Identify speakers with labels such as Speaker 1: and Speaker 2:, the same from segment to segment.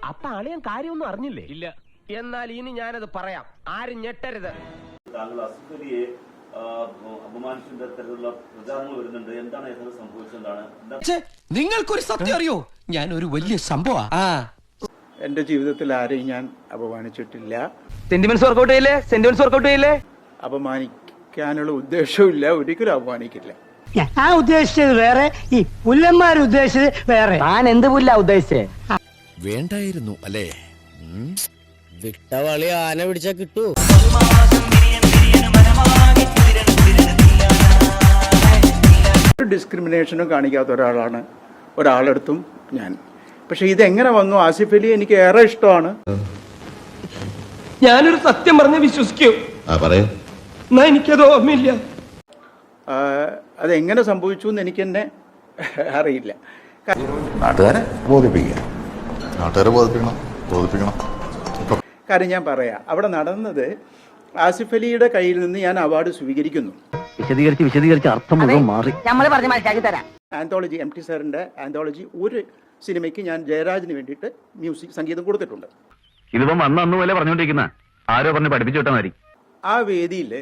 Speaker 1: അപ്പൊ അളിയൻ കാര്യമൊന്നും അറിഞ്ഞില്ലേ?
Speaker 2: ഇല്ല.
Speaker 1: എന്നാൽ ഇനി ഞാനത് പറയാം, ആരും ഞെട്ടരുത്.
Speaker 3: താങ്കൾ ആസിഫ് അലിയെ അപമാനിച്ചിന്റെ തരത്തിലുള്ള പ്രചാരണങ്ങൾ വരുന്നുണ്ട്. എന്താണ് യഥാർത്ഥ സംഭവിച്ചതാണ്?
Speaker 4: നിങ്ങൾക്കൊരു സത്യം അറിയോ? ഞാൻ ഒരു വലിയ സംഭവം.
Speaker 5: എന്റെ ജീവിതത്തിൽ ആരെയും ഞാൻ അപമാനിച്ചിട്ടില്ല.
Speaker 1: സെന്റിമെന്റ്സ് വർക്കൗട്ട് ചെയ്യില്ലേ? സെന്റിമെന്റ്സ് വർക്കൗട്ട് ചെയ്യില്ലേ?
Speaker 5: അപമാനിക്കാനുള്ള ഉദ്ദേശവും ഒരിക്കലും അപമാനിക്കില്ല.
Speaker 6: ഞാൻ ഉദ്ദേശിച്ചത് വേറെ, ഈ പുല്ലന്മാർ ഉദ്ദേശിച്ചത് വേറെ.
Speaker 1: ഞാൻ എന്ത് പുല്ല ഉദ്ദേശിച്ചേ?
Speaker 4: വേണ്ടായിരുന്നു അല്ലേ?
Speaker 7: വിട്ടവളി ആന പിടിച്ചാ കിട്ടൂ.
Speaker 5: ഒരു ഡിസ്ക്രിമിനേഷനും കാണിക്കാത്ത ഒരാളെടുത്തും ഞാൻ. പക്ഷെ ഇതെങ്ങനെ വന്നു? ആസിഫ് അലി എനിക്ക് ഏറെ ഇഷ്ടമാണ്.
Speaker 1: ഞാനൊരു സത്യം പറഞ്ഞ് വിശ്വസിക്കൂ. എന്നാ എനിക്കത് ഓർമ്മയില്ല.
Speaker 5: അതെങ്ങനെ സംഭവിച്ചു എന്ന് എനിക്ക് തന്നെ അറിയില്ല.
Speaker 8: നാട്ടുകാരെ ബോധിപ്പിക്കണം.
Speaker 5: കാര്യം ഞാൻ പറയാം, അവിടെ നടന്നത് ആസിഫ് അലിയുടെ കയ്യിൽ നിന്ന് ഞാൻ അവാർഡ് സ്വീകരിക്കുന്നു.
Speaker 1: വിശദീകരിച്ച് അർത്ഥം മുഴുവൻ മാറി.
Speaker 5: ആന്തോളജി, MT സാറിന്റെ ആന്തോളജി ഒരു സിനിമയ്ക്ക് ഞാൻ ജയരാജിന് വേണ്ടിയിട്ട് സംഗീതം കൊടുത്തിട്ടുണ്ട്.
Speaker 2: ഇതിപ്പം അന്ന് പോലെ പറഞ്ഞോണ്ടിരിക്കുന്ന ആരോ പറഞ്ഞ് പഠിപ്പിച്ചു വിട്ടാൽ മതി.
Speaker 5: ആ വേദിയിൽ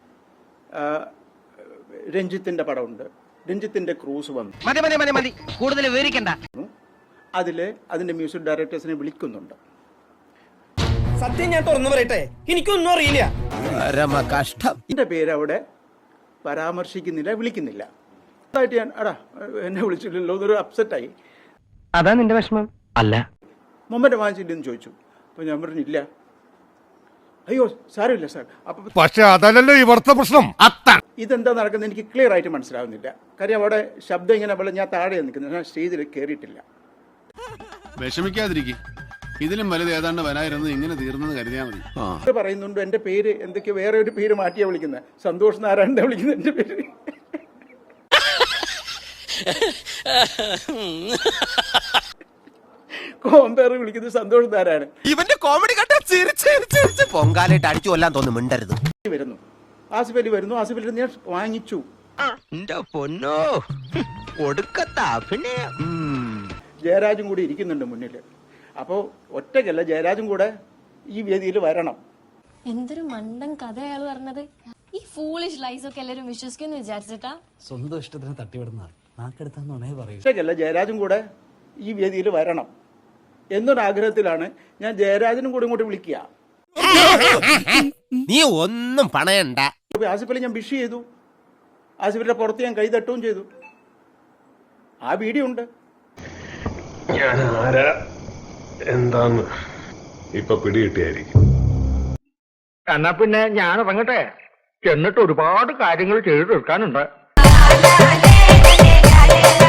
Speaker 5: രഞ്ജിത്തിന്റെ പടമുണ്ട്. രഞ്ജിത്തിന്റെ ക്രൂസ് വന്നു.
Speaker 1: മതി കൂടുതൽ വിവരിക്കണ്ട.
Speaker 5: അതിന്റെ മ്യൂസിക് ഡയറക്ടേഴ്സിനെ വിളിക്കുന്നുണ്ട്.
Speaker 7: സത്യം ഞാൻ തുറന്നു പറയട്ടെ, എനിക്കൊന്നും അറിയില്ല.
Speaker 4: കഷ്ടം.
Speaker 5: എന്റെ പേര് അവിടെ പരാമർശിക്കുന്നില്ല, വിളിക്കുന്നില്ല. അതായിട്ട് ഞാൻ എന്നെ വിളിച്ചില്ലല്ലോ എന്നൊരു അപ്സെറ്റായി.
Speaker 1: അതാ നിന്റെ വിഷമം? അല്ല.
Speaker 5: മൊമെന്റ് വാങ്ങിച്ചില്ലെന്ന് ചോദിച്ചു. അപ്പൊ ഞാൻ പറഞ്ഞില്ല. അയ്യോ സാരമില്ല സാർ.
Speaker 8: പക്ഷെ അതല്ലല്ലോ ഇവിടുത്തെ പ്രശ്നം.
Speaker 5: ഇതെന്താ നടക്കുന്നത് എനിക്ക് ക്ലിയർ ആയിട്ട് മനസ്സിലാവുന്നില്ല. കാര്യം അവിടെ ശബ്ദം ഇങ്ങനെ ഞാൻ താഴെ നിൽക്കുന്നത്, ഞാൻ സ്റ്റേജിൽ കയറിയിട്ടില്ല.
Speaker 8: വിഷമിക്കാതിരിക്കും, ഇതിലും വലുത് ഏതാണ്ട് വരായിരുന്നു. ഇങ്ങനെ തീർന്നെന്ന് കരുതിയാൽ മതി.
Speaker 5: പറയുന്നുണ്ട് എന്റെ പേര് എന്തൊക്കെയോ വേറെ ഒരു പേര് മാറ്റിയാ വിളിക്കുന്നത്. സന്തോഷ് നാരായണന്റെ വിളിക്കുന്നത് എന്റെ പേര്. കോമ്പയർ വിളിക്കുന്നത് സന്തോഷ് നാരായണൻ.
Speaker 4: ഇവന്റെ കോമഡി കണ്ട ചിരിച്ച് പൊങ്കാലായിട്ട് അടിച്ചു കൊല്ലാൻ തോന്നുന്നു. മിണ്ടരുത്.
Speaker 5: വരുന്നു ആസിഫ് അലി വരുന്നു. ആസിഫ് അലി ഞാൻ വാങ്ങിച്ചു.
Speaker 4: പൊന്നോ കൊടുക്കത്താ. പിന്നെ
Speaker 5: ജയരാജും കൂടി ഇരിക്കുന്നുണ്ട് മുന്നിൽ. അപ്പോൾ ഒറ്റയ്ക്കല്ല, ജയരാജും കൂടെ ഈ വേദിയിൽ വരണം.
Speaker 9: എന്തൊരു മണ്ടൻ കഥ അയാൾ പറഞ്ഞത്. ഈ ഫൂളിഷ് ലൈസ് ഒക്കെ എല്ലാരും വിശ്വസിക്കുന്നു വിചാരിച്ചിട്ടാ?
Speaker 7: സ്വന്തം ഇഷ്ടത്തിന് തട്ടിവിടുന്ന നാക്കെടുത്താന്നുണേ പറയൂ.
Speaker 5: ഒറ്റയ്ക്കല്ല, ജയരാജും കൂടെ ഈ വേദിയിൽ വരണം എന്നൊരാഗ്രഹത്തിലാണ് ഞാൻ ജയരാജനും കൂടെ ഇങ്ങോട്ട് വിളിക്കുക.
Speaker 4: നീ ഒന്നും പണയണ്ട.
Speaker 5: ആസിഫ് അലി ഞാൻ വിഷ് ചെയ്തു. ആസിഫിന്റെ പുറത്ത് ഞാൻ കൈ തട്ടുകയും ചെയ്തു. ആ വീഡിയോ ഉണ്ട്.
Speaker 10: ഞാൻ ആരാ എന്താന്ന് ഇപ്പൊ പിടികിട്ടിയായിരിക്കും.
Speaker 1: എന്നാ പിന്നെ ഞാൻ ഇറങ്ങട്ടെ. എന്നിട്ട് ഒരുപാട് കാര്യങ്ങൾ ചെയ്തു തീർക്കാനുണ്ട്.